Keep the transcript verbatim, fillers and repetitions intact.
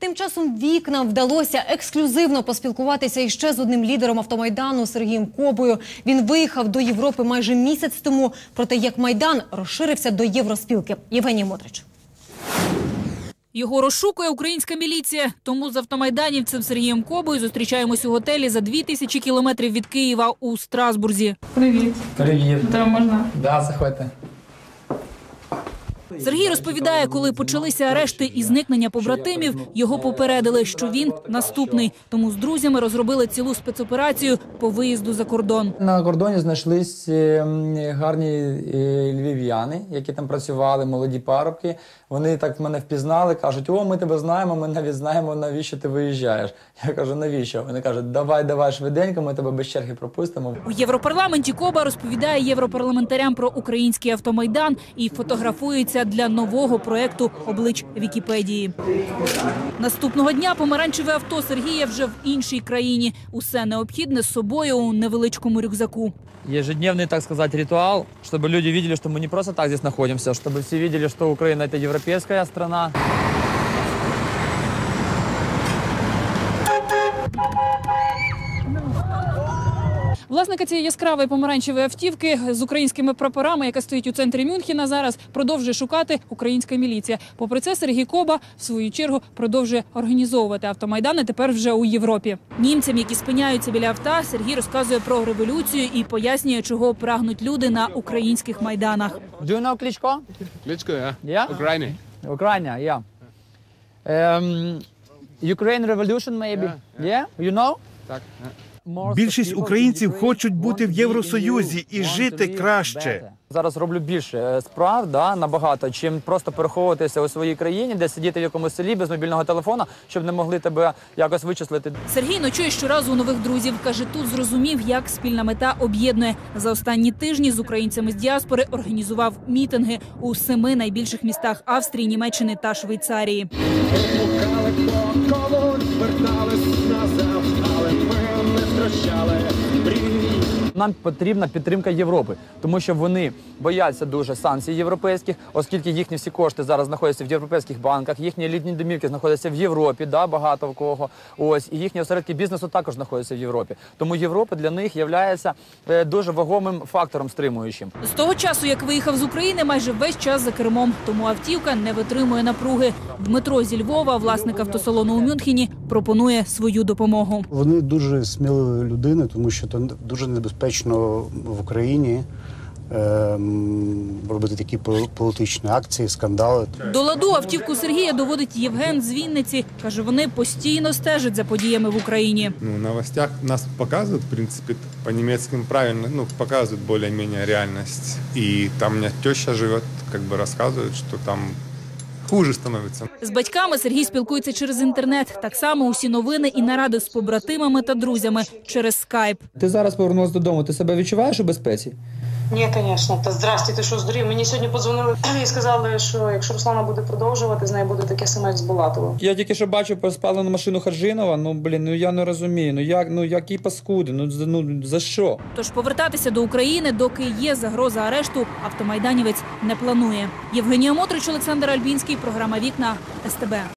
тим часом вікнам вдалося ексклюзивно поспілкуватися іще з одним лідером автомайдану Сергієм Кобою. Він виїхав до Європи майже місяць тому про те, як Майдан розширився до Євроспілки. Євгеній Мотрич. Його розшукує українська міліція. Тому з автомайданівцем Сергієм Кобою зустрічаємось у готелі за дві тисячі кілометрів від Києва у Страсбурзі. Привіт. Привіт. Там можна? Да, заходьте. Сергій розповідає, коли почалися арешти і зникнення побратимів, його попередили, що він наступний. Тому з друзями розробили цілу спецоперацію по виїзду за кордон. На кордоні знайшлись гарні львів'яни, які там працювали, молоді парубки. Вони так мене впізнали, кажуть: о, ми тебе знаємо, ми навіть знаємо, навіщо ти виїжджаєш. Я кажу: навіщо? Вони кажуть: давай, давай швиденько, ми тебе без черги пропустимо. У Європарламенті Коба розповідає європарламентарям про український автомайдан і фотографується для нового проєкту «Облич Вікіпедії». Наступного дня помаранчеве авто Сергія вже в іншій країні. Усе необхідне з собою у невеличкому рюкзаку. Ежедневный, так сказать, ритуал, чтобы люди видели, что мы не просто так здесь находимся, чтобы все видели, что Украина – это европейская страна. Власника цієї яскравої помаранчевої автівки з українськими прапорами, яка стоїть у центрі Мюнхена, зараз продовжує шукати українська міліція. Попри це, Сергій Коба, в свою чергу, продовжує організовувати автомайдани тепер вже у Європі. Німцям, які спиняються біля авто, Сергій розказує про революцію і пояснює, чого прагнуть люди на українських майданах. Do you know Klitschko? Klitschko, ja. Yeah? Ukraine. Ukraine, yeah. Um, Ukraine revolution, maybe? Yeah, Yeah? You know? Так. Більшість українців хочуть бути в Євросоюзі і жити краще. Зараз роблю більше справ, да, набагато, чим просто переховуватися у своїй країні, де сидіти в якомусь селі без мобільного телефона, щоб не могли тебе якось вичислити. Сергій ночує щоразу у нових друзів. Каже, тут зрозумів, як спільна мета об'єднує. За останні тижні з українцями з діаспори організував мітинги у семи найбільших містах Австрії, Німеччини та Швейцарії. Нам потрібна підтримка Європи, тому що вони бояться дуже санкцій європейських, оскільки їхні всі кошти зараз знаходяться в європейських банках, їхні літні домівки знаходяться в Європі, да, багато в кого. Ось, і їхні осередки бізнесу також знаходяться в Європі. Тому Європа для них є дуже вагомим фактором стримуючим. З того часу, як виїхав з України, майже весь час за кермом, тому автівка не витримує напруги. Дмитро зі Львова, власник автосалону у Мюнхені, пропонує свою допомогу. Вони дуже сміливі людини, тому що це дуже небезпечно в Україні робити такі політичні акції, скандали. До ладу автівку Сергія доводить Євген з Вінниці. Каже, вони постійно стежать за подіями в Україні. Ну, в новостях нас показують, в принципі, по-німецьким правильно, ну, показують більш-менш реальність. І там у мене теща живе, як би розказують, що там хуже становиться. З батьками Сергій спілкується через інтернет. Так само усі новини і наради з побратимами та друзями через скайп. Ти зараз повернулася додому, ти себе відчуваєш у безпеці? Ні, звісно. Та здрасте, ти що, здурів? Мені сьогодні подзвонили і сказали, що якщо Руслана буде продовжувати, з нею буде таке саме з Булатовим. Я тільки що бачив про спалену машину Харжинова, ну, блін, ну я не розумію, ну як, ну які паскуди, ну, ну за що? Тож повертатися до України, доки є загроза арешту, автомайданівець не планує. Євгенія Мотрич, Олександр Альбінський, програма «Вікна», ес те бе.